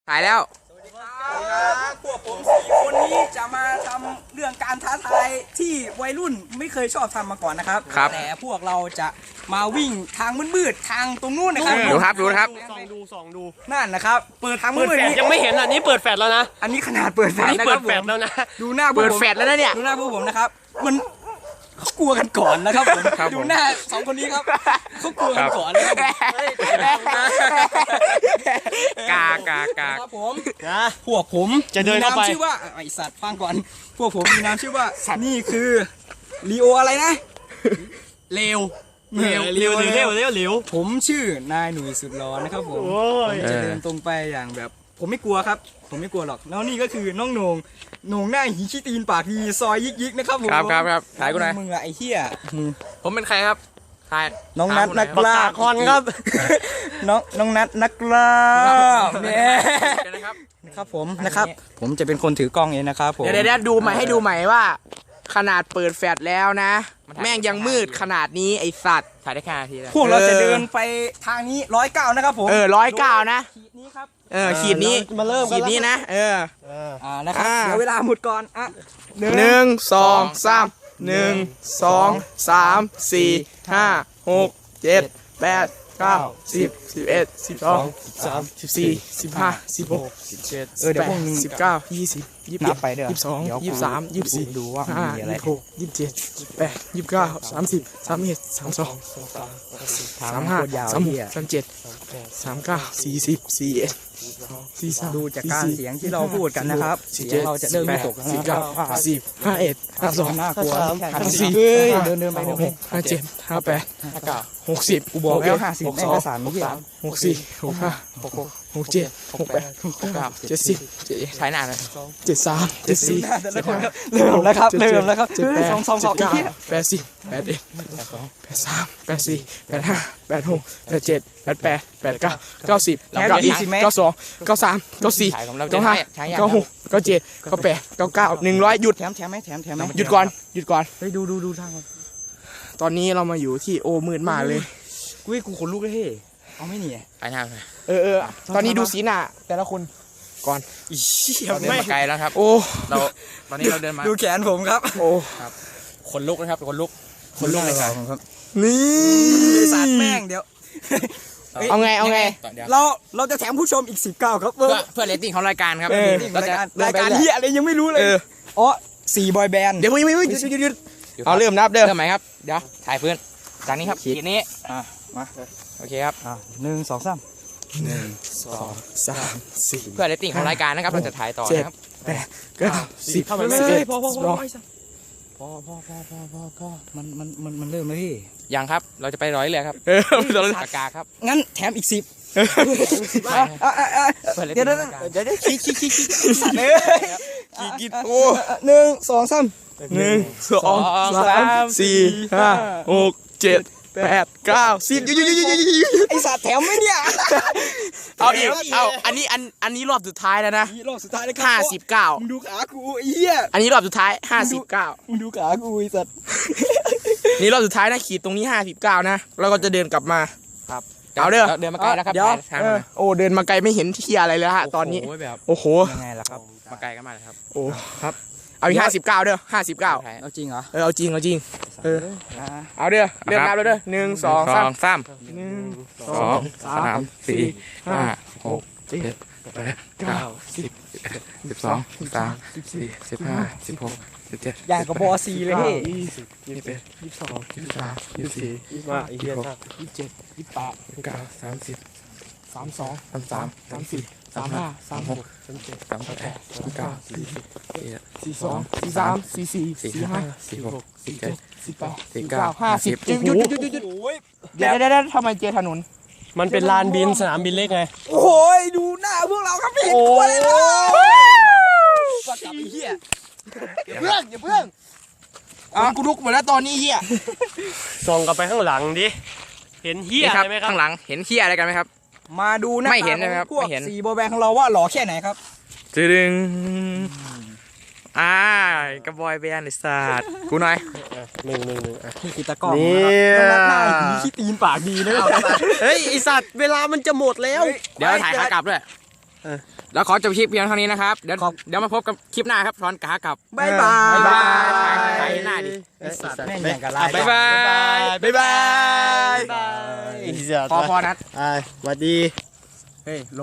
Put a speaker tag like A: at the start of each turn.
A: ถ่ายแล้ว
B: พวกผม4 คนนี้จะมาทำเรื่องการท้าทายที่วัยรุ่นไม่เคยชอบทำมาก่อนนะครับแต่พวกเราจะมาวิ่งทางมืดๆทางตรงนู้นนะครับ
A: ดูครับ
C: ส่องดู
B: นั่นนะครับเปิดทางมืด
C: ยังไม่เห็นอันนี้เปิดแฟลชแล้วนะ
B: อันนี้ขนาดเปิดแฟลชนะ
C: เปิ
B: ครั
C: ด
B: บ
C: แฟลชแล้วนะ
B: ดูหน้า
A: เปิดแฟลชแล้วนะเนี่ย
B: ดูหน้าพวกผมนะครับมันเขากลัวกันก่อนนะครับผมดูหน้า2 คนนี้ครับเขากลัวกันก่อนนะครับครับผมพวกผม
C: จะเดินเข้าไป
B: ชื่อว่าไอสัตว์ฟังก่อนพวกผมมีนามชื่อว่านี่คือลีโออะไรนะ
C: เร็ว
B: ผมชื่อนายหนุ่ยสุดร้อนนะครับผมจะเดินตรงไปอย่างแบบผมไม่กลัวครับผมไม่กลัวหรอกแล้วนี่ก็คือน้องโหน่งหน้าหีขี้ตีนปากดีซอยยิกนะครับผม
A: ครับถ่ายกูหน่อย
B: มึงอะไอ้เหี้ย
A: ผมเป็นใครครับถ่าย
B: น้องนัทนักล่า
C: คอนครับ
B: น้องนัทนักล่าเนี่ยนะครับผมนะครับผมจะเป็นคนถือกล้องเองนะครับผม
A: เดี๋ยวดูใหม่ให้ดูใหม่ว่าขนาดเปิดแฟลชแล้วนะแม่งยังมืดขนาดนี้ไอสัตว์ถ่ายได้แค่นาทีแล้ว
B: พวกเราจะเดินไปทางนี้109นะครับผม
A: 109นะ
B: ขีดนี้ครับ
A: ขีดนี้
C: มาเริ่ม
A: ขีดนี้นะ
B: นะครับเดี๋ยวเวลาหมดก่อนอ่ะ
A: 1 2 3 1 2 3 4 5 6 7 8 9 10 11 12 13 14 15 16 17 18 19 20 21
B: ไปเด้อ
A: 22 23 24
B: ดูว่ามีอะไร
A: 26 27 28 29 30 31 32 35 36 37 39 40 41 43
B: ดูจากการเสียงที่เราพูดกันนะครับเสียงเราจะเริ่มตกแล้วนะครับ
A: 50 51 52
B: น่ากลัว
A: 54
B: เดินไป
A: 57 58 60
B: กูบอกแล้ว50ไม่ก็3ไม่ใช่
A: 64 65 67 68 69 70ถ่ายหน้าเลย73 74
B: เริ่มแล้วครับ2
A: 80 81 82 83 84 85 86 87 88 89 90 92 93 94 95 96 97 98 99 100หยุด
B: แถมไหม
A: หยุดก่อน
B: เฮ้ยดูทาง
A: ตอนนี้เรามาอยู่ที่โอมืดมากเลย
B: กูขนลุกเลยเฮ้เอาไม่หนี
A: ไปทางตอนนี้ดูสีหน้าแต่ละคนก่อนเราเดินมาไกลแล้วครับตอนนี้เราเดินมา
B: ดูแขนผมครับ
A: โอ้ครับขนลุกนะครับขนลุกเลยครับ
B: นี่สัตว์แม่งเดี๋ยว
A: เอาไง
B: เราจะแถมผู้ชมอีก19ครับ
A: เพื่อเรตติ้งของรายการครับ
B: รายการเฮียอะไรยังไม่รู้เลยอ๋อ4 บอยแบนด์
A: เดี๋ยวไม่หยุดเอาเริ่มนับเริ่มไหมครับเดี๋ยวถ่ายเพื่อนจากนี้ครับขีดนี้
B: มา
A: โอเคครับ
B: 1 2 3
A: 1 2 3 4เพื่อเรตติ้งของรายการนะครับเราจะถ่ายต่อนะครับ8 9 10 11
B: พอมันเริ่มแล้วพี่
A: ยังครับเราจะไปร้อยเลยครับปากกาครับ
B: งั้นแถมอีก10เดี๋ยวขี้โอ้1 2 3
A: 1 2 3 4 5 6 7 8 9 10
B: ไอสัตว์แถมไหมเนี่ย
A: เอาอีกอันนี้รอบสุดท้ายแล้วนะ
B: รอบสุดท้ายนะครับ
A: 59
B: มึงดูขากูไอ้เหี้ย
A: อันนี้รอบสุดท้าย59
B: มึงดูขากูไอ้สัตว์
A: นี่รอบสุดท้ายนะขีดตรงนี้59นะแล้วก็จะเดินกลับมาครับเอาเดินมาไกลแล้วครับโอ้เดินมาไกลไม่เห็นที่อะไรเลยฮะตอนนี้โอ้โห
B: ยังไงล่ะครับ
A: มาไกลกันมาเลยครับโอ้ครับเอาอีก59เด้อ59
B: เอาจริงเหรอ
A: เอาจริงเอาเด้อเริ่มนับแล้วเด้อ1 2 3 1 2 3 4 5 6 7 8 9 10 12 13 14 15 16 17
B: อย่างกับบอซีเลยพี่
A: 20 21 22 23 24 25 26 27 28 29 30 32 33 34 35 36 37 38 39 40 42 43 44 45 46 47 18 19 50หยุดเดี๋ยวทำไมเจถนน
C: มันเป็นลานบินสนามบินเล็กไง
B: โอ้ยดูหน้าพวกเราครับพี่กลัวเลยนะปักกับไอ้เหี้ยอย่าเพิ่ง
A: กูลุกหมดแล้วตอนนี้เหี้ย
C: ส่องกลับไปข้างหลังดิเห็นเหี้ยอะไรไหมครับ
A: ข้างหลังเห็นเหี้ยอะไรกันไหมครับ
B: มาดูนะ
A: ไม่เห็นนะครับ
B: พวก4 บอยแบนด์ของเราว่าหล่อแค่ไหนครับ
A: ดึงกระบอยแบนด์ไอ้สัตว์กูหน่อย
C: 1
B: คือตะกร้องนะครับหน้าหีขี้ตีนปากดีนะ
C: เฮ้ยไอสัตว์เวลามันจะหมดแล้ว
A: เดี๋ยวถ่ายขากลับด้วยแล้วขอจบคลิปเพียงเท่านี้นะครับเดี๋ยวมาพบกับคลิปหน้าครับช้อนกากับ
B: บ๊ายบาย
A: ไปหน้าดิ
B: แม่งอย่างกับลาย
A: บ๊ายบายบ๊ายบายพอนัด
C: สวัสดี
B: เฮ้ย